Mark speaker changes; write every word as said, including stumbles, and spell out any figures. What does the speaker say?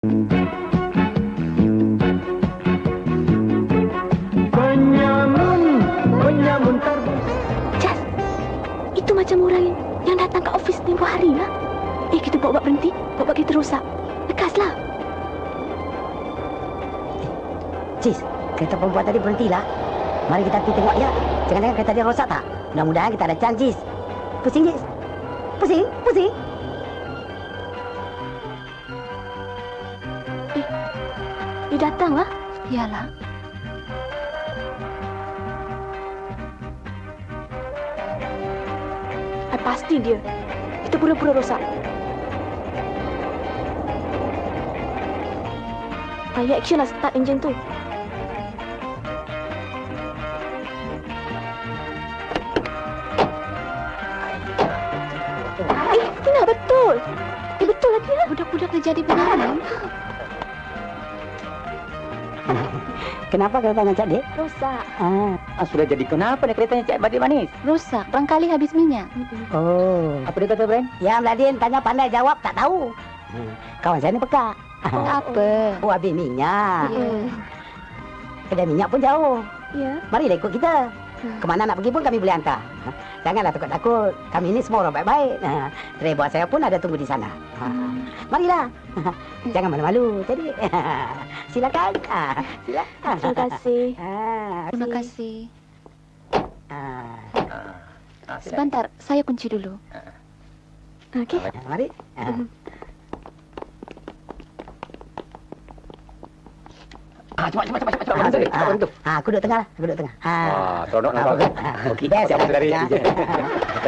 Speaker 1: Penyamun, penyamun terbus.
Speaker 2: Jas, itu macam orang yang, yang datang ke ofis tempoh hari lah. Eh, kita buat-buat berhenti, buat-buat kita rosak. Lekaslah.
Speaker 3: Cis, kereta perempuan tadi berhentilah. Mari kita pergi tengok dia. Jangan-jangan kereta dia rosak tak? Mudah-mudahan kita ada chance, Cis. Pusing, Cis. Pusing, pusing.
Speaker 2: Eh, dia datang lah. Yalah. I pasti dia. Kita pura-pura rosak. Ayo action lah start enjin tu. Eh, Tina, betul. Eh, betul lah Tina. Budak-budak dah jadi benaran.
Speaker 3: Kenapa keretanya Cik Dik?
Speaker 2: Rosak.
Speaker 3: Ah.
Speaker 1: Ah, sudah jadi kenapa nih keretanya Cik Badik Manis?
Speaker 2: Rosak. Barangkali habis minyak.
Speaker 3: Oh.
Speaker 1: Apa dia kata, Bren?
Speaker 3: Yang Ladin tanya pandai jawab tak tahu. Hmm. Kawan saya ni pekak.
Speaker 2: Apa?
Speaker 3: Oh, habis minyak.
Speaker 2: Ya.
Speaker 3: Kedai minyak pun jauh.
Speaker 2: Ya.
Speaker 3: Marilah ikut kita. Kemana nak pergi pun kami boleh hantar. Janganlah takut-takut. Kami ni semua orang baik-baik. Kedai buat saya pun ada tunggu di sana. Marilah. Jangan malu-malu. Jadi, silakan. Silakan.
Speaker 2: Terima kasih.
Speaker 3: Terima
Speaker 2: kasih.
Speaker 3: Ah.
Speaker 1: Ah,
Speaker 2: Sebentar, saya kunci dulu. Okey.
Speaker 3: Mari. Ah.
Speaker 1: Ah, cepat, cepat, cepat, cepat.
Speaker 3: Ah,
Speaker 1: Cepat,
Speaker 3: ah,
Speaker 1: cepat.
Speaker 3: ah, aku duduk tengah lah. Aku duduk tengah.
Speaker 1: Ah, seronok nampak.
Speaker 3: Ah,
Speaker 1: Okey,
Speaker 3: best.
Speaker 1: siap dari.
Speaker 3: Ah.